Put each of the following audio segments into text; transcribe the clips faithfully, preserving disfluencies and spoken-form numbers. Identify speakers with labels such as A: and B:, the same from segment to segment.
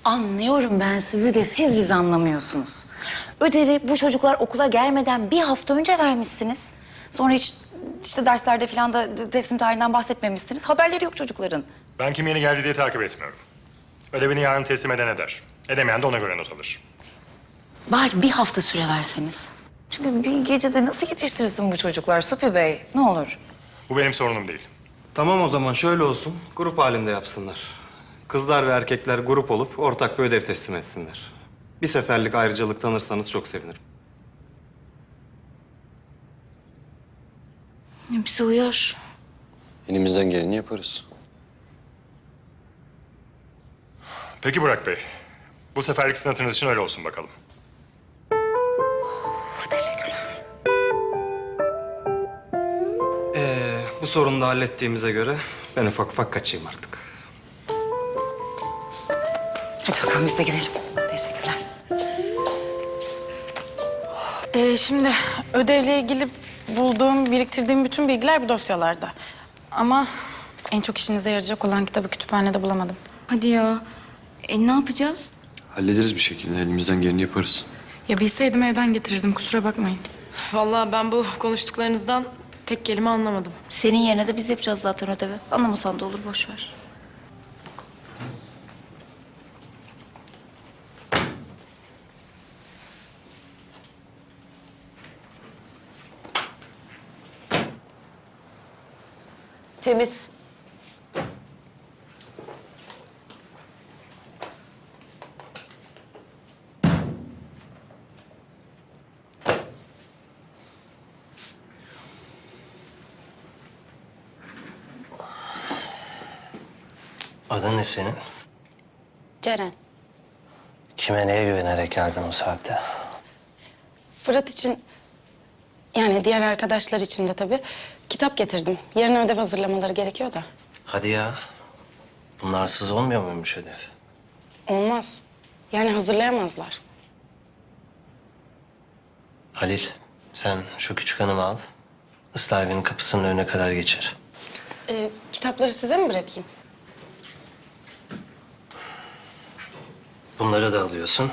A: Anlıyorum ben sizi de siz bizi anlamıyorsunuz. Ödevi bu çocuklar okula gelmeden bir hafta önce vermişsiniz. Sonra hiç işte derslerde falan da teslim tarihinden bahsetmemişsiniz. Haberleri yok çocukların.
B: Ben kim yeni geldi diye takip etmiyorum. Ödevini yarın teslim eden eder. Edemeyen de ona göre not alır.
A: Bari bir hafta süre verseniz. Çünkü bir gecede nasıl yetiştirsin bu çocuklar Supi Bey? Ne olur.
B: Bu benim sorunum değil.
C: Tamam o zaman şöyle olsun. Grup halinde yapsınlar. Kızlar ve erkekler grup olup ortak bir ödev teslim etsinler. Bir seferlik ayrıcalık tanırsanız çok sevinirim.
A: Bize uyar.
D: Elimizden geleni yaparız.
B: Peki Burak Bey. Bu seferlik sizin hatırınız için öyle olsun bakalım.
A: Teşekkürler.
C: Ee, bu sorunu da hallettiğimize göre ben ufak ufak kaçayım artık.
A: Hadi bakalım biz de gidelim. Teşekkürler.
E: Ee, şimdi ödevle ilgili bulduğum, biriktirdiğim bütün bilgiler bu dosyalarda. Ama en çok işinize yarayacak olan kitabı kütüphanede bulamadım.
F: Hadi ya. E ne yapacağız?
D: Hallederiz bir şekilde. Elimizden geleni yaparız.
E: Ya bilseydim evden getirirdim, kusura bakmayın.
G: Vallahi ben bu konuştuklarınızdan tek kelime anlamadım.
A: Senin yerine de biz yapacağız zaten ödevi. Anlamasan da olur, boş ver. Temiz.
H: Adın ne senin?
E: Ceren,
H: Kime neye güvenerek geldin o saatte?
E: Fırat için, yani diğer arkadaşlar için de tabii kitap getirdim. Yarın ödev hazırlamaları gerekiyor da.
H: Hadi ya. Bunlarsız olmuyor muymuş ödev?
E: Olmaz. Yani hazırlayamazlar.
H: Halil, sen şu küçük hanımı al. Islah evinin kapısının önüne kadar geçir.
E: Ee, kitapları size mi bırakayım?
H: Bunları da alıyorsun.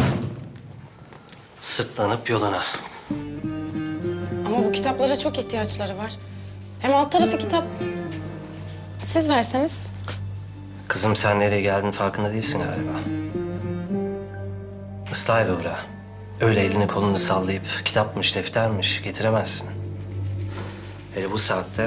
H: Sırtlanıp yoluna.
E: Ama bu kitaplara çok ihtiyaçları var. Hem alt tarafı kitap. Siz verseniz.
H: Kızım sen nereye geldiğinin farkında değilsin galiba. Islah evi bura. Öyle elini kolunu sallayıp kitapmış, deftermiş getiremezsin. Hele bu saatte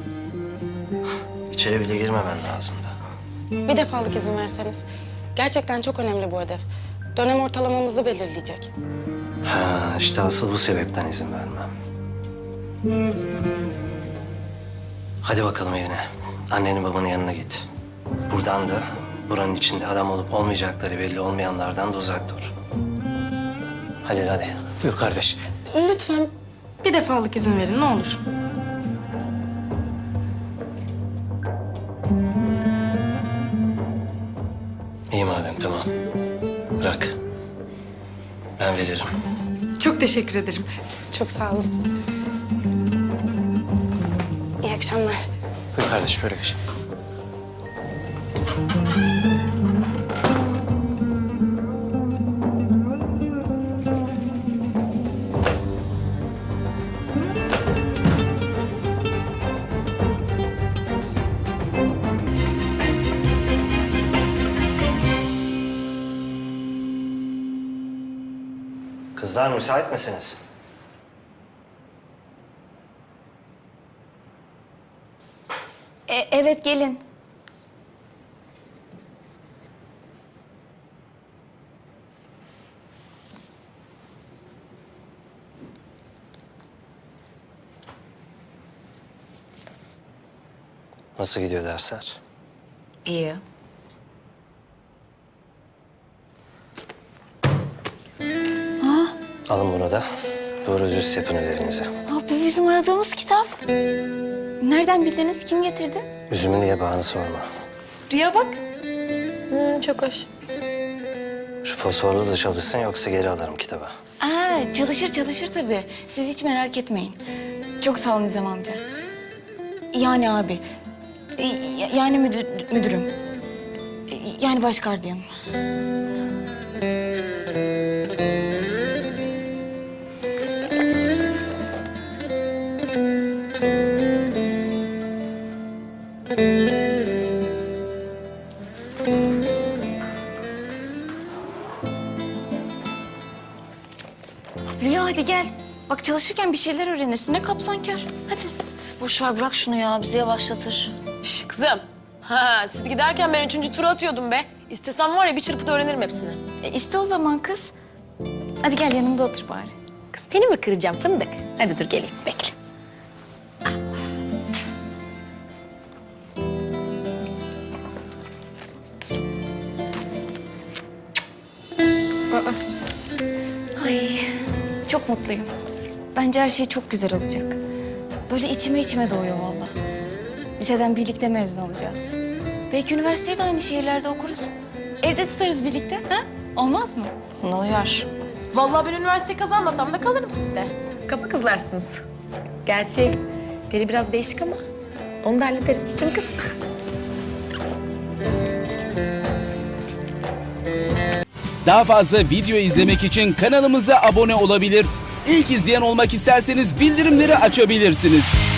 H: içeri bile girmemen lazımdı.
E: Bir defalık izin verseniz. Gerçekten çok önemli bu ödev. Dönem ortalamamızı belirleyecek.
H: Ha, işte asıl bu sebepten izin vermem. Hadi bakalım evine. Annenin babanın yanına git. Buradan da buranın içinde adam olup olmayacakları belli olmayanlardan da uzak dur. Halil hadi.
I: Buyur kardeş.
E: Lütfen bir defalık izin verin ne olur.
H: İyi madem tamam. Bırak. Ben veririm.
E: Çok teşekkür ederim. Çok sağ olun. İyi akşamlar.
I: Buyur kardeş böyle geç.
H: Kızlar müsait misiniz?
F: E, evet gelin.
H: Nasıl gidiyor dersler?
A: İyi.
H: Alın bunu da. Doğru düz yapın ödevinizi.
F: Aa, bu bizim aradığımız kitap. Nereden bildiniz? Kim getirdi?
H: Üzümün niye bağını sorma.
F: Rüya bak.
E: Hmm, çok hoş.
H: Şu fosforlu da çalışsın yoksa geri alırım kitabı.
F: Aa, çalışır çalışır tabii. Siz hiç merak etmeyin. Çok sağ olun Nizam amca. Yani abi. E, yani müdür, müdürüm. E, Yani baş gardiyanım. Rüya hadi gel. Bak çalışırken bir şeyler öğrenirsin. Ne kapsankar. Hadi.
A: Boş ver bırak şunu ya bizi yavaşlatır.
G: Şş, kızım. Ha, siz giderken ben üçüncü tura atıyordum be. İstesem var ya bir çırpıda öğrenirim hepsini.
F: E, iste o zaman kız. Hadi gel yanımda otur bari.
G: Kız seni mi kıracağım fındık? Hadi dur geleyim bekle.
F: Ay çok mutluyum. Bence her şey çok güzel olacak. Böyle içime içime doğuyor vallahi. Liseden birlikte mezun olacağız. Belki üniversiteyi de aynı şehirlerde okuruz. Evde tutarız birlikte. Ha? Olmaz mı?
A: Ne uyar?
G: Vallahi ben üniversiteyi kazanmasam da kalırım sizle. Kafa kızlarsınız. Gerçi biri biraz değişik ama onu da hallederiz. Kim kız?
J: Daha fazla video izlemek için kanalımıza abone olabilir. İlk izleyen olmak isterseniz bildirimleri açabilirsiniz.